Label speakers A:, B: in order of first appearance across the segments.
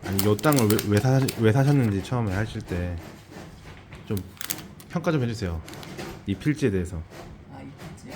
A: 아니 요 땅을 왜 사셨는지 처음에 하실 때 좀 평가 좀 해주세요. 이 필지에 대해서.
B: 아, 이 필지요?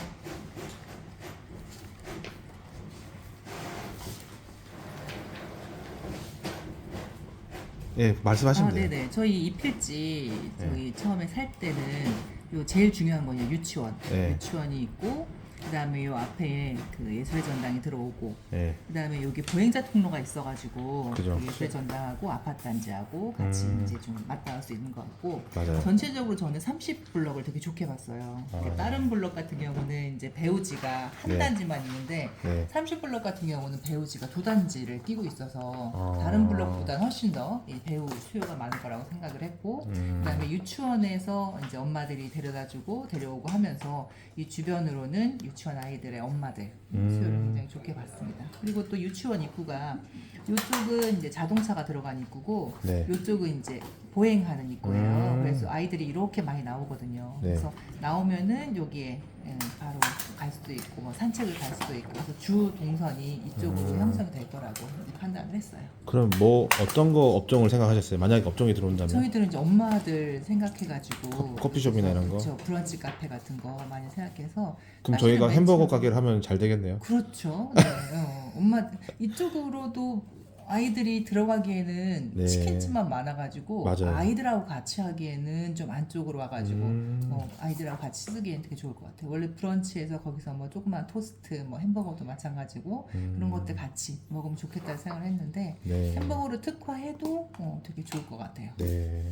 A: 예, 말씀하시면
B: 아,
A: 돼요.
B: 네네. 저희 이 필지 저희
A: 네.
B: 처음에 살 때는 요 제일 중요한 거는 유치원.
A: 네.
B: 유치원이 있고 그다음에 요 앞에 그 예술의 전당이 들어오고
A: 예.
B: 그다음에 여기 보행자 통로가 있어가지고
A: 그죠.
B: 그 예술의 전당하고 아파트 단지하고 같이 이제 좀 맞닿을 수 있는 것 같고
A: 맞아요.
B: 전체적으로 저는 30블럭을 되게 좋게 봤어요.
A: 아.
B: 다른 블럭 같은 경우는 이제 배우지가 한
A: 네.
B: 단지만 있는데
A: 네.
B: 30블럭 같은 경우는 배우지가 두 단지를 끼고 있어서
A: 아.
B: 다른 블럭보다 훨씬 더 이 배우 수요가 많을 거라고 생각을 했고 그다음에 유치원에서 이제 엄마들이 데려다주고 데려오고 하면서 이 주변으로는 유치원 아이들의 엄마들 수요를 굉장히 좋게 봤습니다. 그리고 또 유치원 입구가 이쪽은 이제 자동차가 들어간 입구고
A: 네.
B: 이쪽은 이제 보행하는 입구예요.
A: 음.
B: 그래서 아이들이 이렇게 많이 나오거든요.
A: 네.
B: 그래서 나오면은 여기에 바로 갈 수도 있고 뭐 산책을 갈 수도 있고 그래서 주 동선이 이쪽으로 형성이 될 거라고 이제 판단을 했어요.
A: 그럼 뭐 어떤 거 업종을 생각하셨어요? 만약에 업종이 들어온다면?
B: 저희들은 이제 엄마들 생각해가지고
A: 커피숍이나 이런 거?
B: 그렇죠. 브런치 카페 같은 거 많이 생각해서
A: 그럼
B: 사실은
A: 저희가
B: 맨
A: 햄버거
B: 처음에-
A: 가게를 하면 잘 되겠네요.
B: 그렇죠. 네. 엄마 이쪽으로도 아이들이 들어가기에는
A: 네.
B: 치킨집만 많아가지고
A: 맞아요.
B: 아이들하고 같이 하기에는 좀 안쪽으로 와가지고 아이들하고 같이 쓰기에는 되게 좋을 것 같아요. 원래 브런치에서 거기서 뭐 조그만 토스트, 뭐 햄버거도 마찬가지고 그런 것들 같이 먹으면 좋겠다는 생각을 했는데
A: 네.
B: 햄버거를 특화해도 되게 좋을 것 같아요.
A: 네.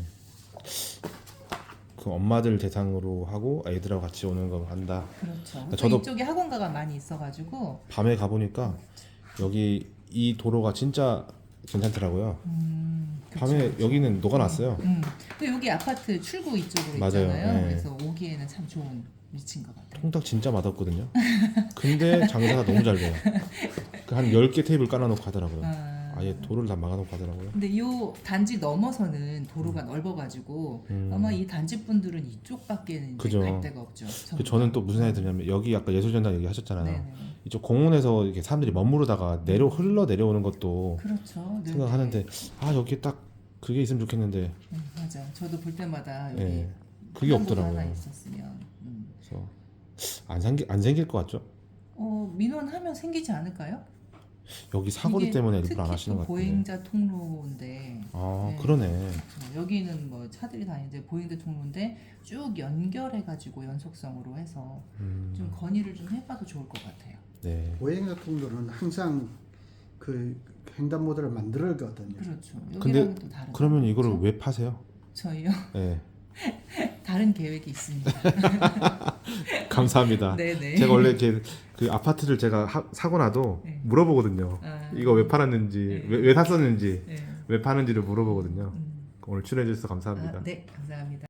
A: 그 엄마들 대상으로 하고 애들하고 같이 오는 거 한다.
B: 그렇죠.
A: 저도-
B: 이쪽에 학원가가 많이 있어가지고
A: 밤에 가보니까 여기 이 도로가 진짜 괜찮더라고요. 밤에
B: 그쵸.
A: 여기는 녹아났어요.
B: 또 여기 아파트 출구 이쪽으로
A: 맞아요.
B: 있잖아요.
A: 네.
B: 그래서 오기에는 참 좋은 위치인 것 같아요.
A: 통닭 진짜 맛없거든요. 근데 장사가 너무 잘 돼요. 한 10개 테이블 깔아놓고 하더라고요. 아예 도로를 다 막아놓고 하더라고요.
B: 근데 이 단지 넘어서는 도로가 넓어가지고 아마 이 단지 분들은 이쪽밖에는 이제
A: 그죠.
B: 갈 데가 없죠. 전부
A: 저는
B: 다.
A: 또 무슨 생각이 드냐면 여기 아까 예술전당 얘기하셨잖아요.
B: 네네.
A: 이쪽 공원에서 이렇게 사람들이 머무르다가 흘러 내려오는 것도
B: 그렇죠. 네.
A: 생각하는데 아 여기 딱 그게 있으면 좋겠는데
B: 맞아. 저도 볼 때마다 여기
A: 예, 그게
B: 횡단보도 하나
A: 없더라고요.
B: 있었으면.
A: 그래서 안 생길 것 같죠?
B: 민원하면 생기지 않을까요?
A: 여기 사거리
B: 이게
A: 때문에 일부러
B: 특히
A: 안 하시는
B: 또
A: 것 같은데.
B: 보행자 통로인데
A: 아
B: 네.
A: 그러네.
B: 그렇죠. 여기는 뭐 차들이 다니는데 보행자 통로인데 쭉 연결해가지고 연속성으로 해서 좀 건의를 좀 해봐도 좋을 것 같아요.
A: 네.
C: 보행자 통로는 항상 그 횡단보도를 만들거든요.
B: 그렇죠.
A: 근데
B: 여기랑은 또 다른.
A: 그러면 이거를
B: 그렇죠?
A: 왜 파세요?
B: 저희요
A: 네.
B: 다른 계획이 있습니다.
A: 감사합니다.
B: 네네.
A: 제가 원래 이렇게 그 아파트를 제가 사고 나도
B: 네.
A: 물어보거든요.
B: 아.
A: 이거 왜 팔았는지,
B: 네.
A: 왜 샀었는지,
B: 네.
A: 왜 파는지를 물어보거든요.
B: 음.
A: 오늘 출연해 주셔서 감사합니다.
B: 네, 감사합니다.